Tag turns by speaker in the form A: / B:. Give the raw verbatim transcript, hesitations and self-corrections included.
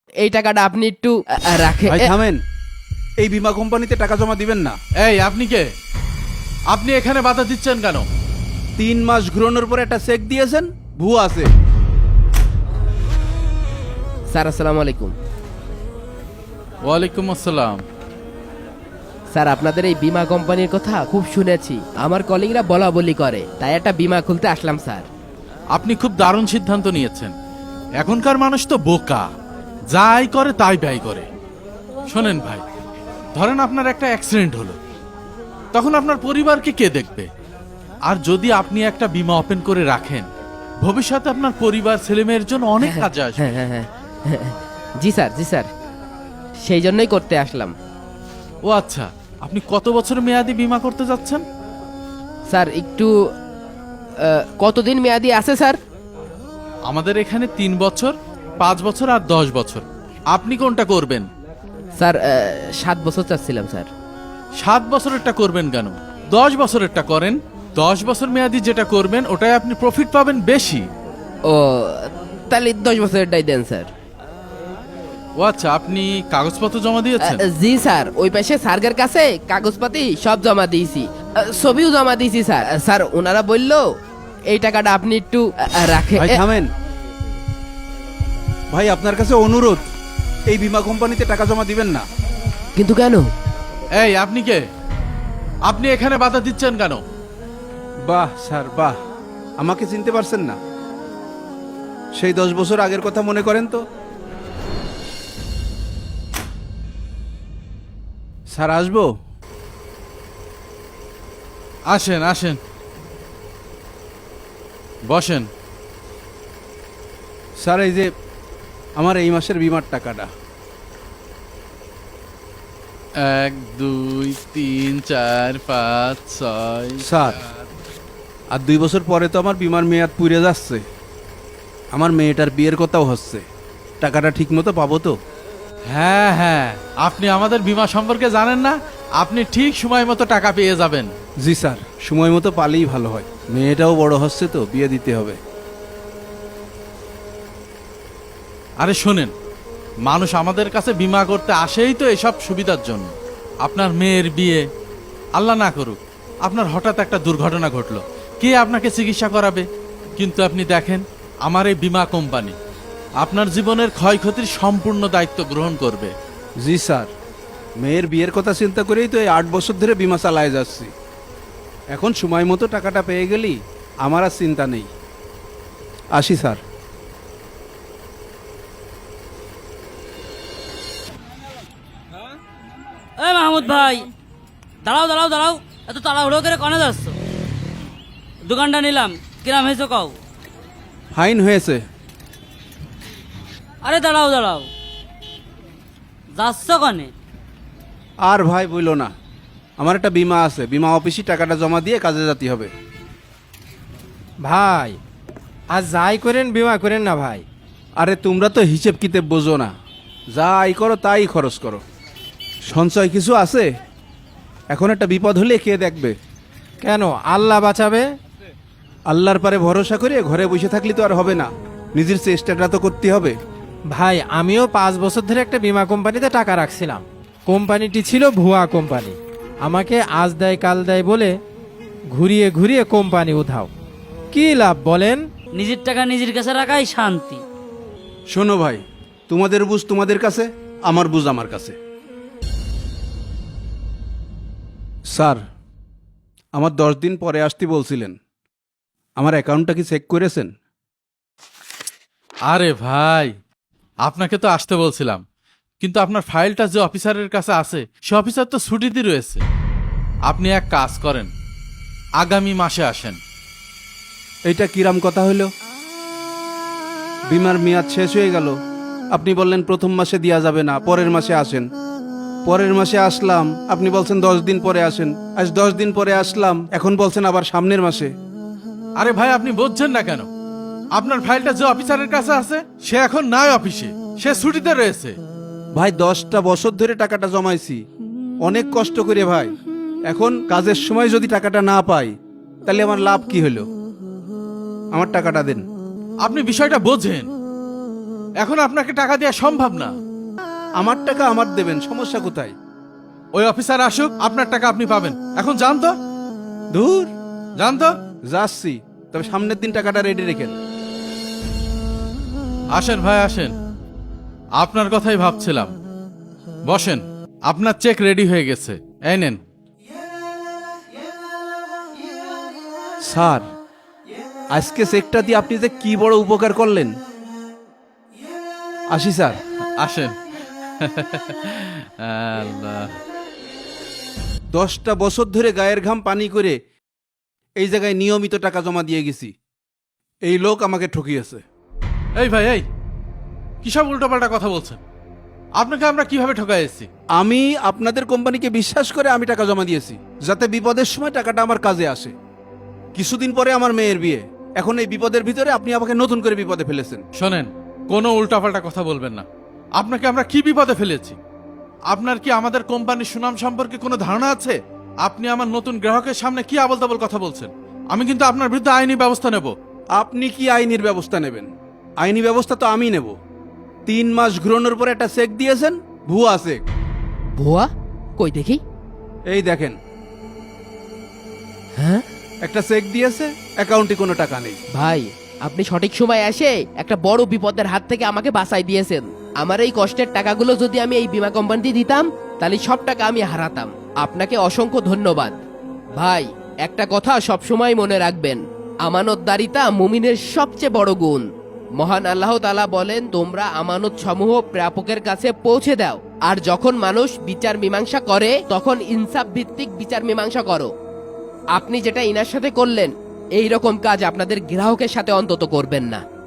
A: এই টাকাটা আপনি একটু আহ, রাখেন।
B: ভাই থামেন, এই বীমা কোম্পানিতে টাকা জমা দিবেন না।
C: এই আপনি কে? আপনি এখানে বাধা দিচ্ছেন কেন?
B: তিন মাস ঘুরানোর পর একটা চেক দিয়েছেন, ভুয়া আছে।
A: স্যার আসসালামু আলাইকুম।
C: ওয়ালাইকুম আসসালাম।
A: স্যার আপনাদের এই বীমা কোম্পানির কথা খুব শুনেছি, আমার কলিগরা বলা বলি করে, তাই একটা বীমা খুলতে আসলাম স্যার।
C: আপনি খুব দারুণ সিদ্ধান্ত নিয়েছেন। এখনকার মানুষ তো বোকা, যাই করে তাই ব্যয় করে। শোনেন ভাই, ধরেন আপনার একটা অ্যাক্সিডেন্ট হলো, তখন আপনার পরিবারকে কে দেখবে? আর যদি আপনি একটা বীমা ওপেন করে রাখেন, ভবিষ্যতে আপনার পরিবার ছেলেমেয়ের জন্য অনেক কাজে আসবে।
A: হ্যাঁ হ্যাঁ হ্যাঁ হ্যাঁ। জি স্যার, জি স্যার, সেই জন্যই করতে আসলাম।
C: ও আচ্ছা, আপনি কত বছর মেয়াদি বীমা করতে যাচ্ছেন?
A: স্যার একটু আহ, কতদিন মেয়াদি আছে স্যার?
C: আমাদের এখানে তিন বছর, পাঁচ বছর আর দশ বছর। আপনি কোনটা করবেন?
A: স্যার আহ, সাত বছর চাচ্ছিলাম স্যার।
C: সাত বছরেরটা করবেন কেন? দশ বছরেরটা করেন। দশ বছর মেয়াদি যেটা করবেন ওটাই আপনি প্রফিট পাবেন বেশি।
A: ও তাহলে দশ বছরেরটাই দেন স্যার।
C: ও আচ্ছা, আপনি কাগজপত্র জমা দিয়েছেন?
A: আহ, জি স্যার, ওই পাশে স্যারের কাছে কাগজপাতি সব জমা দিয়েছি, আহ, ছবিও জমা দিয়েছি স্যার। আহ, স্যার ওনারা বললো এই টাকাটা আপনি একটু আহ, রাখেন।
B: ভাই থামেন, ভাই আপনার কাছে অনুরোধ, এই বীমা কোম্পানিতে টাকা জমা দিবেন না।
A: কিন্তু কেন?
C: এই আপনি কে? আপনি এখানে বাধা দিচ্ছেন কেন?
B: বাহ স্যার বাহ, আমাকে চিনতে পারছেন না? সেই দশ বছর আগের কথা মনে করেন তো। স্যার আসবো?
C: আসেন আসেন, বসেন।
B: স্যার এই যে আমার এই মাসের বীমার টাকাটা।
C: এক দুই তিন চার পাঁচ ছয়।
B: স্যার আর দুই বছর পরে তো আমার বীমার মেয়াদ পুড়ে যাচ্ছে, আমার মেয়েটার বিয়ের কথাও হচ্ছে, টাকাটা ঠিক মতো পাবো তো?
C: হ্যাঁ হ্যাঁ, আপনি আমাদের বীমা সম্পর্কে জানেন না? আপনি ঠিক সময় মতো টাকা পেয়ে যাবেন।
B: জি স্যার, সময় মতো পালেই ভালো হয়, মেয়েটাও বড় হচ্ছে তো, বিয়ে দিতে হবে।
C: আরে শোনেন, মানুষ আমাদের কাছে বীমা করতে আসেই তো এসব সুবিধার জন্য। আপনার মেয়ের বিয়ে, আল্লাহ না করুক আপনার হঠাৎ একটা দুর্ঘটনা ঘটলো, কে আপনাকে চিকিৎসা করাবে? কিন্তু আপনি দেখেন, আমার এই বীমা কোম্পানি আপনার জীবনের ক্ষয়ক্ষতির সম্পূর্ণ দায়িত্ব গ্রহণ করবে।
B: জি স্যার, মেয়ের বিয়ের কথা চিন্তা করেই তো এই আট বছর ধরে বীমা চালায় যাচ্ছি। এখন সময় মতো টাকাটা পেয়ে গেলি আমার আর চিন্তা নেই। আসি স্যার।
D: এই মাহমুদ ভাই, দাঁড়াও দাঁড়াও দাঁড়াও, এত তাড়াহুড়ো করে কনে যাচ্ছ? দোকানটা নিলাম, কিরাম হয়েছে কও?
B: ফাইন হয়েছে।
D: আরে দাঁড়াও দাঁড়াও, যাচ্ছ কনে?
B: আর ভাই বইল না, আমার একটা বীমা আছে, বীমা অফিসে টাকাটা জমা দিয়ে কাজে যেতে হবে।
E: ভাই আর যাই করেন বিমা করেন না ভাই।
B: আরে তোমরা তো হিসেব কিতেব বোঝো না, যা আয় করো তাই খরচ করো, সঞ্চয় কিছু আছে? এখন একটা বিপদ হলে কে দেখবে?
E: কেন, আল্লাহ বাঁচাবে।
B: আল্লাহর পারে ভরসা করে ঘরে বসে থাকলে তো আর হবে না, নিজের চেষ্টাটা তো করতে হবে।
E: ভাই আমিও পাঁচ বছর ধরে একটা বিমা কোম্পানিতে টাকা রাখছিলাম, কোম্পানিটি ছিল ভুয়া কোম্পানি, আমাকে আজ দেয় কাল দেয় বলে ঘুরিয়ে ঘুরিয়ে কোম্পানি উধাও। কি লাভ বলেন?
D: নিজের টাকা নিজের কাছে রাখাই শান্তি।
B: শোনো ভাই, তোমাদের বুঝ তোমাদের কাছে, আমার বুঝ আমার কাছে। স্যার আমার দশ দিন পরে আসতে বলছিলেন, আমার অ্যাকাউন্টটা কি চেক করেছেন?
C: আরে ভাই, আপনাকে তো আসতে বলছিলাম, কিন্তু আপনার ফাইলটা যে অফিসারের কাছে আছে সে অফিসার তো ছুটিতে রয়েছে। আপনি এক কাজ করেন, আগামী মাসে আসেন।
B: এইটা কিরাম কথা হইল? বিমার মেয়াদ শেষ হয়ে গেল, আপনি বললেন প্রথম মাসে দেওয়া যাবে না, পরের মাসে আসেন। পরের মাসে আসলাম, আপনি বলছেন দশ দিন পরে আসেন। আজ দশ দিন পরে আসলাম, এখন বলছেন আবার সামনের মাসে।
C: আরে ভাই, আপনি বুঝছেন না কেন? আপনার ফাইলটা যে অফিসারের কাছে আছে সে এখন নাই অফিসে, সে ছুটিতে রয়েছে।
B: ভাই দশটা বছর ধরে টাকাটা জমাইছি, অনেক কষ্ট করে ভাই, এখন কাজের সময় যদি টাকাটা না পাই তাহলে আমার লাভ কি হলো? আমার টাকাটা দেন।
C: আপনি বিষয়টা বোঝেন। এখন আপনাকে টাকা দেওয়া সম্ভব না।
B: আমার টাকা আমার দেবেন, সমস্যা কোথায়?
C: ওই অফিসার আসুক, আপনার টাকা আপনি পাবেন। এখন যান তো,
B: দূর,
C: যান তো।
B: যাচ্ছি, তবে সামনের দিন টাকাটা রেডি রেখেন।
C: আসেন ভাই আসেন, আপনার কথাই ভাবছিলাম। বসেন, আপনার চেক রেডি হয়ে গেছে, এই নেন।
B: স্যার, আজকে চেকটা দিয়ে আপনি যে কি বড় উপকার করলেন। আসি স্যার।
C: আসেন। আল্লাহ।
B: দশটা বছর ধরে গায়ের ঘাম পানি করে এই জায়গায় নিয়মিত টাকা জমা দিয়ে গেছি, এই লোক আমাকে ঠকিয়েছে।
C: এই ভাই, এই কি সব উল্টোপাল্টা কথা বলছেন? আপনাকে আমরা কিভাবে ঠকাইছি?
B: আমি আপনাদের কোম্পানিকে বিশ্বাস করে আমি টাকা জমা দিয়েছি, যাতে বিপদের সময় টাকাটা আমার কাজে আসে। কিছুদিন পরে আমার মেয়ের বিয়ে, এখন এই বিপদের ভিতরে আপনি আমাকে নতুন করে বিপদে ফেলেছেন।
C: শোনেন, কোনো উল্টাপাল্টা কথা বলবেন না। আপনাকে আমরা কি বিপদে ফেলেছি? আপনার কি আমাদের কোম্পানির সুনাম সম্পর্কে কোনো ধারণা আছে? আপনি আমার নতুন গ্রাহকের সামনে কি আবল তাবল কথা বলছেন? আমি কিন্তু আপনার বিরুদ্ধে আইনি ব্যবস্থা নেব।
B: আপনি কি আইনের ব্যবস্থা নেবেন? আইনি ব্যবস্থা তো আমি নেব। তিন মাস ঘুরানোর পরে একটা চেক দিয়েছেন, ভুয়া চেক।
A: ভুয়া? কই দেখি।
B: এই দেখেন,
A: হ্যাঁ
B: একটা চেক দিয়েছে, অ্যাকাউন্টে কোনো টাকা নেই।
A: ভাই, আপনি সঠিক সময় এসে একটা বড় বিপদের হাত থেকে আমাকে বাঁচাই দিয়েছেন। আমার এই কষ্টের টাকাগুলো যদি আমি এই বীমা কোম্পানিতে দিতাম, তাহলে সব টাকা আমি হারাতাম। আপনাকে অসংখ্য ধন্যবাদ। ভাই, একটা কথা সবসময় মনে রাখবেন, আমানতদারিতা মুমিনের সবচেয়ে বড় গুণ। মহান আল্লাহ তাআলা বলেন, তোমরা আমানত সমূহ প্রাপকের কাছে পৌঁছে দাও, আর যখন মানুষ বিচার মীমাংসা করে তখন ইনসাফ ভিত্তিক বিচার মীমাংসা করো। আপনি যেটা ইনার সাথে করলেন, এই রকম কাজ আপনাদের গ্রাহকের সাথে অন্তত করবেন না।